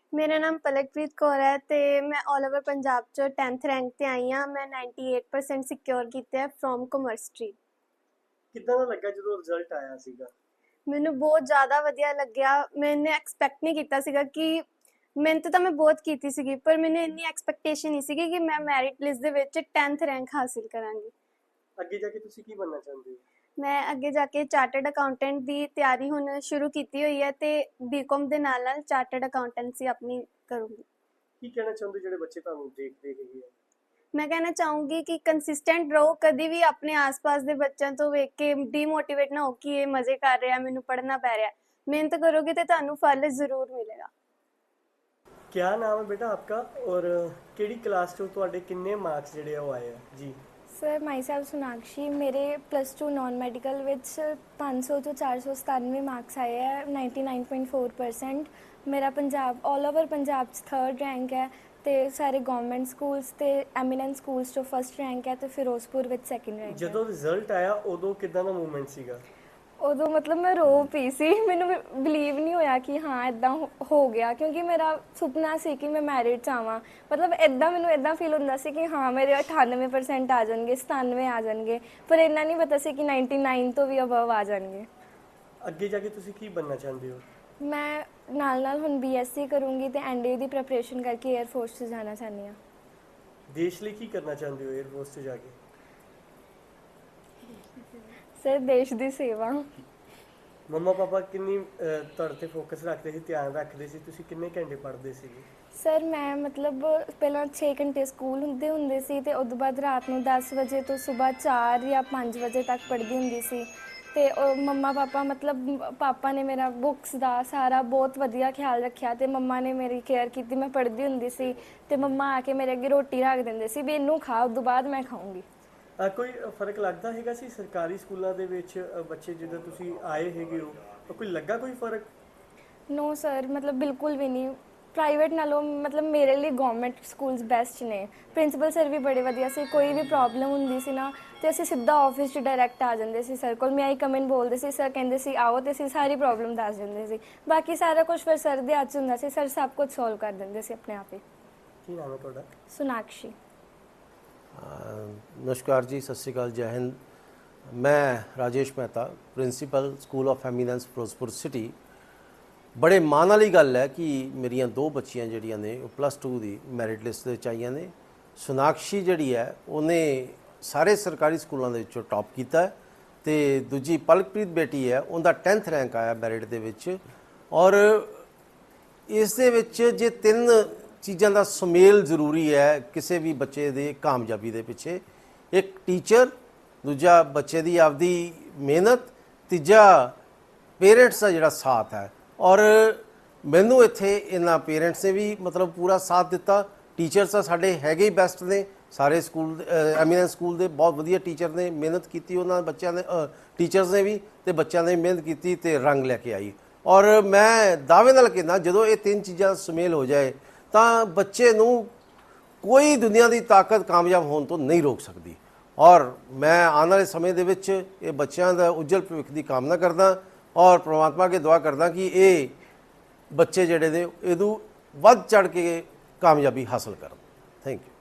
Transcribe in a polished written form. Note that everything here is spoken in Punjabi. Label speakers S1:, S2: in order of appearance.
S1: ਮੇਰਾ ਨਾਮ ਪਲਕਪ੍ਰੀਤ ਕੌਰ ਹੈ ਤੇ ਮੈਂ ਆਲ ਓਵਰ ਪੰਜਾਬ ਚੋਂ 10th ਰੈਂਕ ਤੇ ਆਈ ਹਾਂ। ਮੈਂ 98% ਸਿਕਿਉਰ ਕੀਤੇ ਹੈ ਫਰੋਮ ਕਮਰਸ ਸਟਰੀਮ।
S2: ਕਿੱਦਾਂ ਦਾ ਲੱਗਾ ਜਦੋਂ ਰਿਜ਼ਲਟ ਆਇਆ ਸੀਗਾ?
S1: ਮੈਨੂੰ ਬਹੁਤ ਜ਼ਿਆਦਾ ਵਧੀਆ ਲੱਗਿਆ। ਮੈंने ਐਕਸਪੈਕਟ ਨਹੀਂ ਕੀਤਾ ਸੀਗਾ ਕਿ ਮਿਹਨਤ ਤਾਂ ਮੈਂ ਬਹੁਤ ਕੀਤੀ ਸੀਗੀ, ਪਰ ਮੈਨੂੰ ਇੰਨੀ ਐਕਸਪੈਕਟੇਸ਼ਨ ਨਹੀਂ ਸੀਗੀ ਕਿ ਮੈਂ ਮੈਰਿਟ ਲਿਸਟ ਦੇ ਵਿੱਚ 10th ਰੈਂਕ ਹਾਸਿਲ ਕਰਾਂਗੀ।
S2: ਅੱਗੇ ਜਾ ਕੇ ਤੁਸੀਂ ਕੀ ਬਣਨਾ ਚਾਹੁੰਦੇ ਹੋ?
S1: ਮੈਂ ਅੱਗੇ ਜਾ ਕੇ ਚਾਰਟਰਡ ਅਕਾਊਂਟੈਂਟ ਦੀ ਤਿਆਰੀ ਹੁਣ ਸ਼ੁਰੂ ਕੀਤੀ ਹੋਈ ਹੈ ਤੇ ਬੀਕਾਮ ਦੇ ਨਾਲ ਨਾਲ ਚਾਰਟਰਡ ਅਕਾਊਂਟੈਂਸੀ ਆਪਣੀ ਕਰੂੰਗੀ।
S2: ਕੀ ਕਹਿਣਾ ਚਾਹੁੰਦੇ ਜਿਹੜੇ ਬੱਚੇ ਤੁਹਾਨੂੰ ਦੇਖਦੇ ਹੈਗੇ ਆ?
S1: ਮੈਂ ਕਹਿਣਾ ਚਾਹੂੰਗੀ ਕਿ ਕੰਸਿਸਟੈਂਟ ਰਹੋ, ਕਦੀ ਵੀ ਆਪਣੇ ਆਸ-ਪਾਸ ਦੇ ਬੱਚਿਆਂ ਤੋਂ ਵੇਖ ਕੇ ਡੀਮੋਟੀਵੇਟ ਨਾ ਹੋ ਕਿ ਇਹ ਮਜ਼ੇ ਕਰ ਰਿਹਾ, ਮੈਨੂੰ ਪੜ੍ਹਨਾ ਪੈ ਰਿਹਾ। ਮਿਹਨਤ ਕਰੋਗੇ ਤੇ ਤੁਹਾਨੂੰ ਫਲ ਜ਼ਰੂਰ ਮਿਲੇਗਾ।
S2: क्या नाम है बेटा आपका और केड़ी क्लास चो ਤੁਹਾਡੇ ਕਿੰਨੇ ਮਾਰਕਸ ਜਿਹੜੇ ਆ ਉਹ ਆਏ ਆ ਜੀ?
S3: ਸਰ ਮਾਈ ਸੈਲਫ ਸੋਨਾਕਸ਼ੀ, ਮੇਰੇ +2 ਨਾਨ ਮੈਡੀਕਲ ਵਿੱਚ 500 ਤੋਂ 497 ਮਾਰਕਸ ਆਏ ਹੈ, 99.4%। ਮੇਰਾ ਪੰਜਾਬ ਆਲ ਓਵਰ ਪੰਜਾਬ 'ਚ 3rd ਰੈਂਕ ਹੈ ਤੇ ਸਾਰੇ ਗਵਰਨਮੈਂਟ ਸਕੂਲਸ ਤੇ ਐਮੀਨੈਂਸ ਸਕੂਲਸ 'ਚੋਂ 1st ਰੈਂਕ ਹੈ ਤੇ ਫਿਰੋਜ਼ਪੁਰ ਵਿੱਚ 2nd ਰੈਂਕ ਹੈ।
S2: ਜਦੋਂ ਰਿਜ਼ਲਟ ਆਇਆ ਉਦੋਂ ਕਿੱਦਾਂ ਦਾ ਮੂਵਮੈਂਟ ਸੀਗਾ?
S3: ਉਦੋਂ ਮਤਲਬ ਮੈਂ ਰੋ ਪਈ ਸੀ। ਮੈਨੂੰ ਬਿਲੀਵ ਨਹੀਂ ਹੋਇਆ ਕਿ ਹਾਂ ਇੱਦਾਂ ਹੋ ਗਿਆ, ਕਿਉਂਕਿ ਮੇਰਾ ਸੁਪਨਾ ਸੀ ਕਿ ਮੈਂ ਮੈਰਿਟ 'ਚ ਆਵਾਂ। ਮਤਲਬ ਇੱਦਾਂ ਮੈਨੂੰ ਇੱਦਾਂ ਫੀਲ ਹੁੰਦਾ ਸੀ ਕਿ ਹਾਂ ਮੇਰੇ 98% ਆ ਜਾਣਗੇ, 97 ਆ ਜਾਣਗੇ, ਪਰ ਇੰਨਾ ਨਹੀਂ ਪਤਾ ਸੀ ਕਿ 99 ਤੋਂ ਵੀ ਅਬਵ ਆ ਜਾਣਗੇ।
S2: ਅੱਗੇ ਜਾ ਕੇ ਤੁਸੀਂ ਕੀ ਬਣਨਾ ਚਾਹੁੰਦੇ ਹੋ?
S3: ਮੈਂ ਨਾਲ ਨਾਲ ਹੁਣ BSc ਕਰੂੰਗੀ ਤੇ NDA ਦੀ ਪ੍ਰੈਪਰੇਸ਼ਨ ਕਰਕੇ 에ਅਰ ਫੋਰਸ 'ਚ ਜਾਣਾ ਚਾਹੁੰਦੀ ਹਾਂ।
S2: ਦੇਸ਼ ਲਈ ਕੀ ਕਰਨਾ ਚਾਹੁੰਦੇ ਹੋ 에ਅਰ ਫੋਰਸ 'ਚ ਜਾ ਕੇ?
S3: ਸਰ ਦੇਸ਼ ਦੀ ਸੇਵਾ।
S2: ਮੰਮਾ ਪਾਪਾ ਕਿੰਨੀ ਤੁਹਾਡੇ ਤੇ ਫੋਕਸ ਰੱਖਦੇ ਸੀ, ਧਿਆਨ ਰੱਖਦੇ ਸੀ? ਤੁਸੀਂ ਕਿੰਨੇ ਘੰਟੇ ਪੜ੍ਹਦੇ ਸੀਗੇ?
S3: ਸਰ ਮੈਂ ਮਤਲਬ ਪਹਿਲਾਂ 6 ਘੰਟੇ ਸਕੂਲ ਹੁੰਦੇ ਸੀ ਤੇ ਉਸ ਤੋਂ ਬਾਅਦ ਰਾਤ ਨੂੰ 10 ਵਜੇ ਤੋਂ ਸਵੇਰ 4 ਜਾਂ 5 ਵਜੇ ਤੱਕ ਪੜ੍ਹਦੀ ਹੁੰਦੀ ਸੀ। ਤੇ ਮੰਮਾ ਪਾਪਾ ਮਤਲਬ ਪਾਪਾ ਨੇ ਮੇਰਾ ਬੁੱਕਸ ਦਾ ਸਾਰਾ ਬਹੁਤ ਵਧੀਆ ਖਿਆਲ ਰੱਖਿਆ ਤੇ ਮੰਮਾ ਨੇ ਮੇਰੀ ਕੇਅਰ ਕੀਤੀ। ਮੈਂ ਪੜ੍ਹਦੀ ਹੁੰਦੀ ਸੀ ਤੇ ਮੰਮਾ ਆ ਕੇ ਮੇਰੇ ਅੱਗੇ ਰੋਟੀ ਰੱਖ ਦਿੰਦੇ ਸੀ ਵੀ ਇਹਨੂੰ ਖਾ, ਉਸ ਤੋਂ ਬਾਅਦ ਮੈਂ ਖਾਊਂਗੀ।
S2: ਕੋਈ ਫਰਕ ਲੱਗਦਾ ਹੈਗਾ ਸੀ ਸਰਕਾਰੀ ਸਕੂਲਾਂ ਦੇ ਵਿੱਚ ਬੱਚੇ ਜਦੋਂ ਤੁਸੀਂ ਆਏ ਹੈਗੇ ਹੋ, ਕੋਈ ਲੱਗਾ ਕੋਈ ਫਰਕ?
S3: ਨੋ ਸਰ, ਮਤਲਬ ਬਿਲਕੁਲ ਵੀ ਨਹੀਂ। ਪ੍ਰਾਈਵੇਟ ਨਾਲੋਂ ਮਤਲਬ ਮੇਰੇ ਲਈ ਗਵਰਨਮੈਂਟ ਸਕੂਲਸ ਬੈਸਟ ਨੇ। ਪ੍ਰਿੰਸੀਪਲ ਸਰ ਵੀ ਬੜੇ ਵਧੀਆ ਸੀ। ਕੋਈ ਵੀ ਪ੍ਰੋਬਲਮ ਹੁੰਦੀ ਸੀ ਨਾ ਤੇ ਅਸੀਂ ਸਿੱਧਾ ਆਫਿਸ 'ਚ ਡਾਇਰੈਕਟ ਆ ਜਾਂਦੇ ਸੀ ਸਰ ਕੋਲ। ਮੈਂ ਆਈ ਕਮੈਂਟ ਬੋਲਦੇ ਸੀ, ਸਰ ਕਹਿੰਦੇ ਸੀ ਆਓ ਤੇ ਅਸੀਂ ਸਾਰੀ ਪ੍ਰੋਬਲਮ ਦੱਸ ਦਿੰਦੇ ਸੀ। ਬਾਕੀ ਸਾਰਾ ਕੁਝ ਫਿਰ ਸਰ ਦੇ ਹੱਥ 'ਚ ਹੁੰਦਾ ਸੀ। ਸਰ ਸਭ ਕੁਝ ਸੋਲਵ ਕਰ ਦਿੰਦੇ ਸੀ ਆਪਣੇ ਆਪ ਹੀ।
S2: ਕੀ ਨਾਮ ਹੈ ਤੁਹਾਡਾ?
S3: ਸੋਨਾਕਸ਼ੀ।
S4: नमस्कार जी, सत श्री अकाल, जय हिंद। मैं Rajesh Mehta, principal school of eminence Firozpur city. बड़े माण वाली गल है कि मेरिया 2 बच्चियां जड़ियां ने +2 की मैरिट लिस्ट दे आईयां ने। सोनाक्षी जड़ी है उन्हें सारे सरकारी स्कूलों के विचों टॉप किया है तो दूजी पलकप्रीत बेटी है उनका 10th रैंक आया मैरिट दे विच। और इस दे विच जे 3 चीज़ों का सुमेल जरूरी है किसी भी बच्चे की कामयाबी के पिछे। एक टीचर, दूजा बच्चे की आपदी मेहनत, तीजा पेरेंट्स का जिहड़ा साथ है। और मैनू इत्थे इन्हां पेरेंट्स ने भी मतलब पूरा साथ दिता। टीचर्स तो साढ़े हैगे ही बेस्ट ने, सारे स्कूल एमीनेंस स्कूल के बहुत वधिया टीचर ने मेहनत की, उन्होंने बच्चों ने टीचर्स ने भी तो बच्चों ने मेहनत की तो रंग लैके आई। और मैं दावे नाल कहना जो ये 3 चीज़ां सुमेल हो जाए तो बच्चे नूं कोई दुनिया की ताकत कामयाब होने तो नहीं रोक सकती। और मैं आने वाले समय दे विच ये बच्चों का उज्जवल भविख की कामना करदा और परमात्मा के दुआ करदा कि ये बच्चे जिहड़े ने इदू वध चढ़ के कामयाबी हासिल करन। Thank you.